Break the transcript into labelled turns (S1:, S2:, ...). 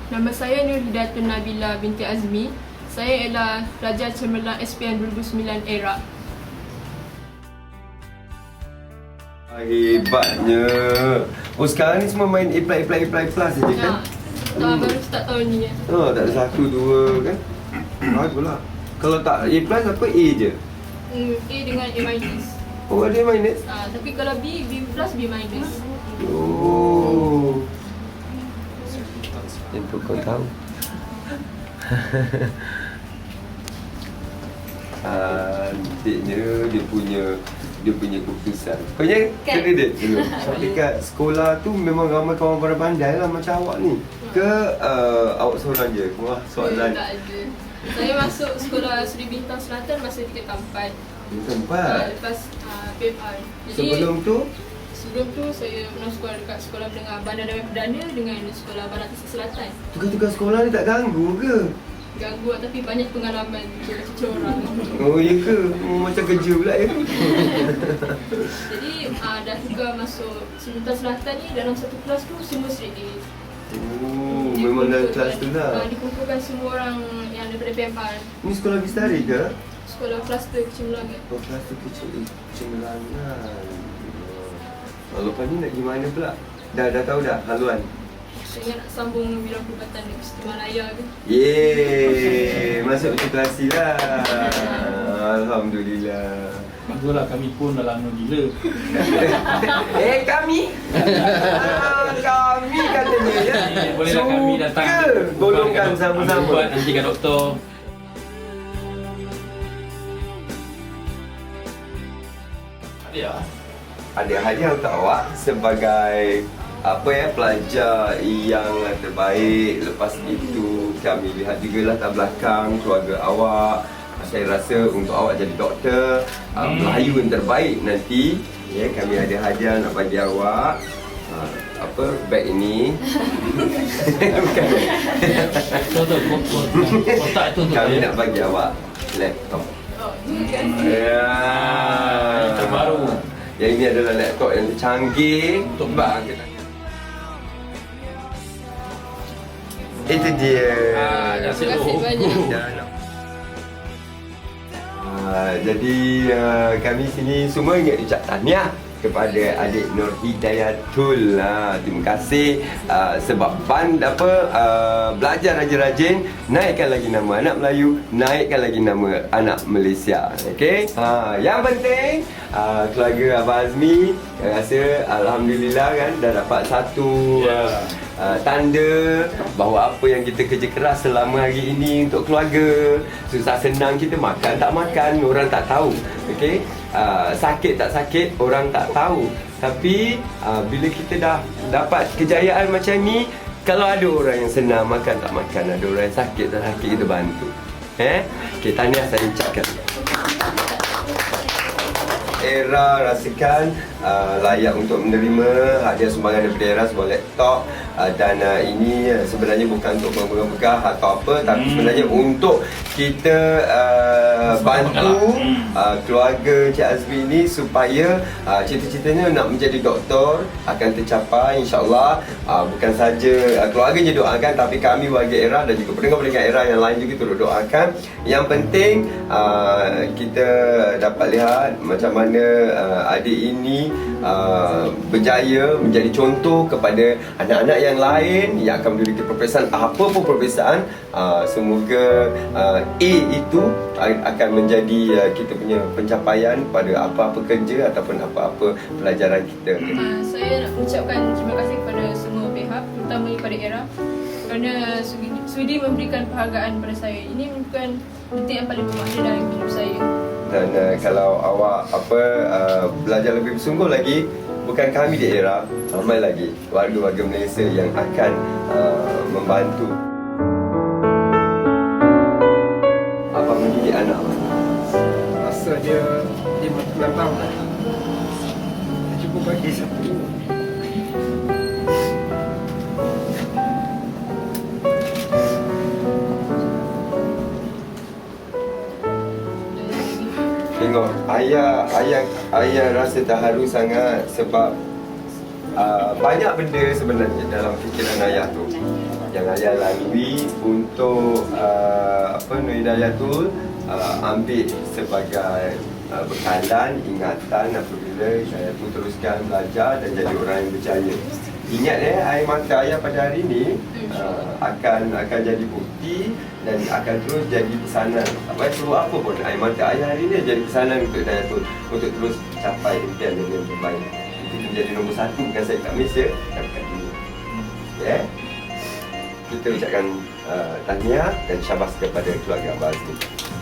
S1: Nama saya Nur Hidatun Nabila binti Azmi. Saya ialah pelajar cemerlang SPM 2009 ERA.
S2: Hebatnya. Oh, sekarang ni semua main apply saja kan?
S1: Baru start tahun ni.
S2: Oh, tak ada 1, 2 kan? Baguslah. Kalau tak A plus apa A je?
S1: A dengan A minus.
S2: Oh, ada A minus?
S1: Tapi kalau B plus, B minus.
S2: Oh. Untuk kau tahu. Cantiknya dia punya keputusan. Kau yang kredit dulu. Dekat sekolah tu memang ramai kawan-kawan pandai lah macam awak ni. Ke awak seorang je? Wah, soalan.
S1: Tak ada. Saya masuk sekolah Seri Bintang Selatan masa tingkatan 4.
S2: Tingkatan 4?
S1: Lepas PMR.
S2: Sebelum tu
S1: saya pernah sekolah dekat Sekolah Menengah Bandar Damai Perdana dengan Sekolah Barat Tasik Selatan.
S2: Tugas-tugas sekolah ni tak ganggu ke?
S1: Ganggu tapi banyak pengalaman cucu orang.
S2: Oh iya ke? Macam kerja pula ya?
S1: Jadi dah tukar masuk Seri Bintang Selatan ni dalam satu kelas tu semua straight A.
S2: Oh, memang dalam kelas tu lah.
S1: Dikumpulkan semua orang yang daripada PMR.
S2: Ni sekolah Bistari ke?
S1: Sekolah kluster Kecemerlangan.
S2: Oh, kluster Kecemerlangan. Lepas ni nak pergi mana pula? Dah tahu dah haluan?
S1: Saya nak sambung bidang perubatan di Istimewa Malaya ke.
S2: Yeay, masuk matrikulasi lah. Alhamdulillah.
S3: Baguslah, kami pun dah lama gila.
S2: Kami? Kami katanya ya.
S3: Bolehlah kami datang
S2: golongkan sama-sama.
S3: Nanti ke doktor.
S2: Ada hadiah untuk awak sebagai pelajar yang terbaik. Lepas itu kami lihat juga latar belakang keluarga awak. Saya rasa untuk awak jadi doktor Melayu yang terbaik nanti, ya, kami ada hadiah nak bagi awak. Beg ini. Bukan.
S3: Kotak tu
S2: Kami nak bagi awak laptop. Ya.
S3: Terbaru.
S2: Yang ini adalah laptop yang canggih untuk bang kita. Itu dia.
S1: Terima kasih banyak.
S2: Jadi kami sini semua ingin ucap tahniah kepada adik Nur Hidayatul. Terima kasih sebab belajar rajin-rajin, naikkan lagi nama anak Melayu, naikkan lagi nama anak Malaysia. Okey. Yang penting keluarga Abang Azmi, saya rasa alhamdulillah kan dah dapat satu tanda bahawa apa yang kita kerja keras selama hari ini untuk keluarga, susah senang kita makan tak makan, orang tak tahu. Okey. Sakit tak sakit, orang tak tahu. Tapi bila kita dah dapat kejayaan macam ni, kalau ada orang yang senang makan tak makan, ada orang yang sakit tak sakit, kita bantu. Okey, tahniah saya ucapkan. ERA rasakan layak untuk menerima hadiah sumbangan daripada ERA sebuah laptop. Dan ini sebenarnya bukan untuk megah atau apa, tapi sebenarnya untuk kita bantu keluarga Cik Azmi ni supaya cita-citanya nak menjadi doktor akan tercapai insya-Allah. Bukan saja keluarganya doakan, tapi kami warga ERA dan juga pendengar-pendengar ERA yang lain juga turut doakan. Yang penting kita dapat lihat macam mana adik ini berjaya menjadi contoh kepada anak-anak yang lain yang akan memiliki peperiksaan, apa pun peperiksaan. Semoga A itu akan menjadi kita punya pencapaian pada apa-apa kerja ataupun apa-apa pelajaran kita.
S1: Saya nak mengucapkan terima kasih kepada semua pihak, terutama kepada ERA, kerana sudi memberikan penghargaan kepada saya. Ini merupakan detik yang paling bermakna dalam hidup saya.
S2: Dan kalau awak belajar lebih bersungguh lagi, bukan kami di ERA, ramai lagi warga-warga Malaysia yang akan membantu. Apa mendidik anak?
S4: Masa dia 5 tahun dia cuba bagi satu
S2: Tengok, ayah rasa terharu sangat sebab banyak benda sebenarnya dalam fikiran ayah tu yang ayah lalui untuk Nur Hidayatul ambil sebagai bekalan, ingatan apabila Hidayatul teruskan belajar dan jadi orang yang berjaya. Ingat air mata ayah pada hari ini akan jadi bukti dan akan terus jadi pesanan. Tak payah perlu apa pun, air mata ayah hari ini jadi pesanan untuk Hidayatul untuk terus capai impian dia yang terbaik. Itu menjadi nombor satu bukan saya kat Malaysia, tapi kat dunia. Ya. Kita ucapkan tahniah dan syabas kepada keluarga Abah Azmi.